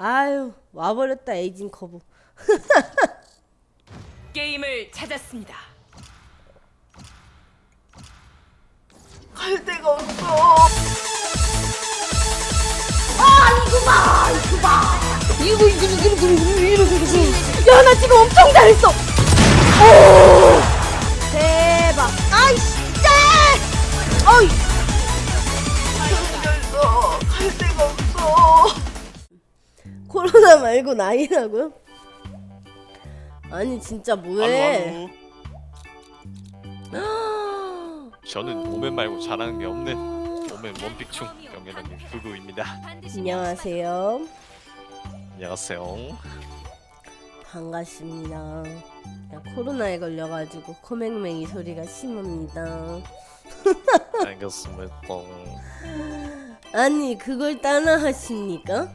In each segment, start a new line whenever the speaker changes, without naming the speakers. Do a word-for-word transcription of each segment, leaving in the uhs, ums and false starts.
아유 와버렸다 에이징 커브.
게임을 찾았습니다.
갈 데가 없어. 아 이거 봐 이거 봐 이거 이거 이거 이거 이거 이거 이거 야나 지금 엄청 잘했어. 오 대박. 아이씨 어이 잘했어. 갈 데가 없어. 코로나 말고 나이라고요? 아니 진짜 뭐해?
저는 도맨 말고 잘하는 게 없는 도맨 원픽충 영예장님 부부입니다.
안녕하세요.
안녕하세요.
반갑습니다. 야, 코로나에 걸려가지고 코맹맹이 소리가 심합니다.
알겠습니다.
아니 그걸 따라 하십니까?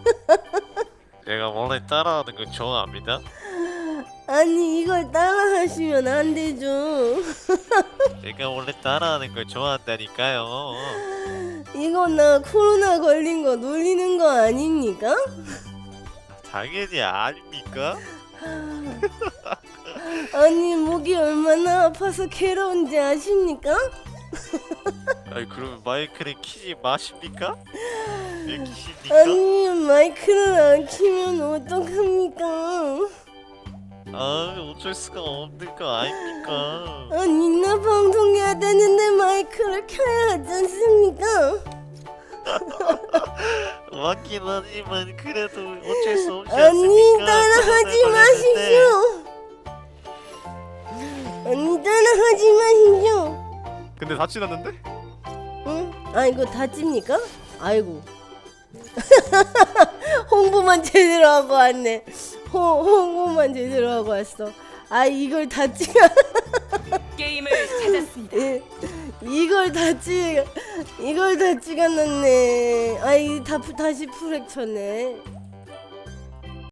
제가 원래 따라하는 걸 좋아합니다.
아니 이걸 따라 하시면 안 되죠.
제가 원래 따라하는 걸 좋아한다니까요.
이거 나 코로나 걸린 거 놀리는 거 아닙니까?
당연히 아닙니까?
아니 목이 얼마나 아파서 괴로운지 아십니까?
아니 그러면 마이크를 키지 마십니까? 왜 키십니까?
아니 마이크를 안 키면 어떡합니까?
아 어쩔 수가 없는 거 아닙니까?
아니 나 방송해야 되는데 마이크를 켜야 하지 않습니까?
맞긴 하지만 그래도 어쩔 수 없지
아니
않습니까?
따라하지
코로나 걸렸는데.
마십시오. 아니 따라하지 마십시오.
근데 다 지났는데?
응? 아 이거 다찝니까? 아이고 홍보만 제대로 하고 왔네. 호, 홍보만 제대로 하고 왔어. 아 이걸 다 찍어.
게임을 찾았습니다.
예, 이걸 다 찍, 이걸 다 찍어놨네. 아이 다 다시 프렉 쳤네.